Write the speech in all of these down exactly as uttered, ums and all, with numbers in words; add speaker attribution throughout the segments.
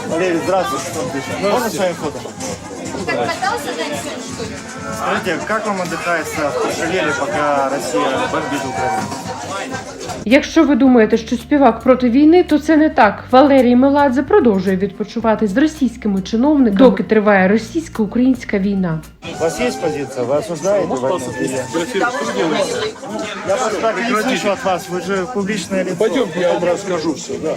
Speaker 1: Валерий, здравствуйте. Можно с вами фото?
Speaker 2: Так катался дальше, что ли?
Speaker 1: Скажите, как вам отдыхается в Кошелеле, пока Россия бомбит Украину?
Speaker 3: Якщо ви думаєте, що співак проти війни, то це не так. Валерій Меладзе продовжує відпочивати з російськими чиновниками, доки триває російсько-українська війна.
Speaker 1: У вас есть позиция? Вы осуждаете войну? Я просто так и не слышу от вас, вы же публичное лицо.
Speaker 4: Пойдемте, я вам расскажу все, да.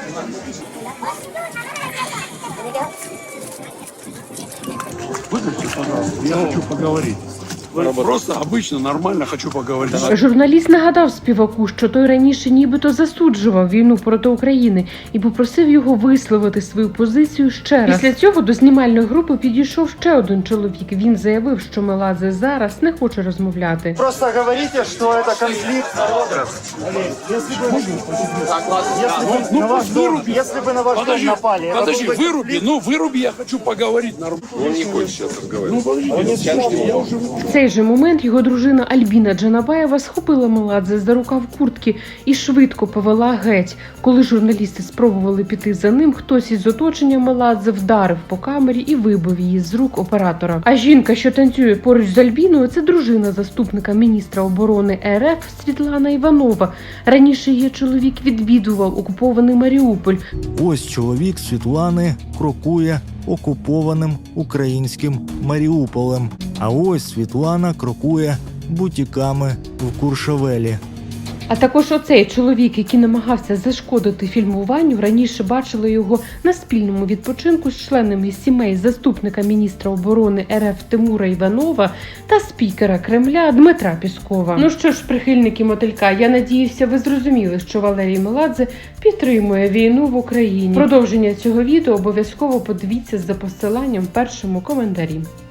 Speaker 4: Выключите, пожалуйста, я хочу поговорить. Просто обычно, нормально хочу поговорить.
Speaker 3: Журналіст нагадав співаку, що той раніше нібито засуджував війну проти України і попросив його висловити свою позицію ще раз. Після цього до знімальної групи підійшов ще один чоловік. Він заявив, що Меладзе зараз не хоче розмовляти.
Speaker 1: Просто говорите, что это конфликт народов. Валерий, если бы, если бы
Speaker 4: Ну,
Speaker 1: на ваш
Speaker 4: пусть
Speaker 1: дом,
Speaker 4: выруби.
Speaker 1: если бы на ваш дом
Speaker 4: Подожди,
Speaker 1: напали, это
Speaker 4: подожди,
Speaker 1: был бы
Speaker 4: выруби,
Speaker 1: конфликт?
Speaker 4: ну выруби, я хочу поговорить нормально. Он не хочет сейчас разговаривать. Ну, подожди, я уже...
Speaker 3: В цей же момент його дружина Альбіна Джанабаєва схопила Меладзе за рукав куртки і швидко повела геть. Коли журналісти спробували піти за ним, хтось із оточення Меладзе вдарив по камері і вибив її з рук оператора. А жінка, що танцює поруч з Альбіною, це дружина заступника міністра оборони РФ Світлана Іванова. Раніше її чоловік відвідував окупований Маріуполь.
Speaker 5: Ось чоловік Світлани крокує окупованим українським Маріуполем. А ось Світлана крокує бутіками в Куршавелі.
Speaker 3: А також оцей чоловік, який намагався зашкодити фільмуванню, раніше бачили його на спільному відпочинку з членами сімей заступника міністра оборони РФ Тимура Іванова та спікера Кремля Дмитра Піскова. Ну що ж, прихильники мотилька, я надіюся, ви зрозуміли, що Валерій Меладзе підтримує війну в Україні. Продовження цього відео обов'язково подивіться за посиланням в першому коментарі.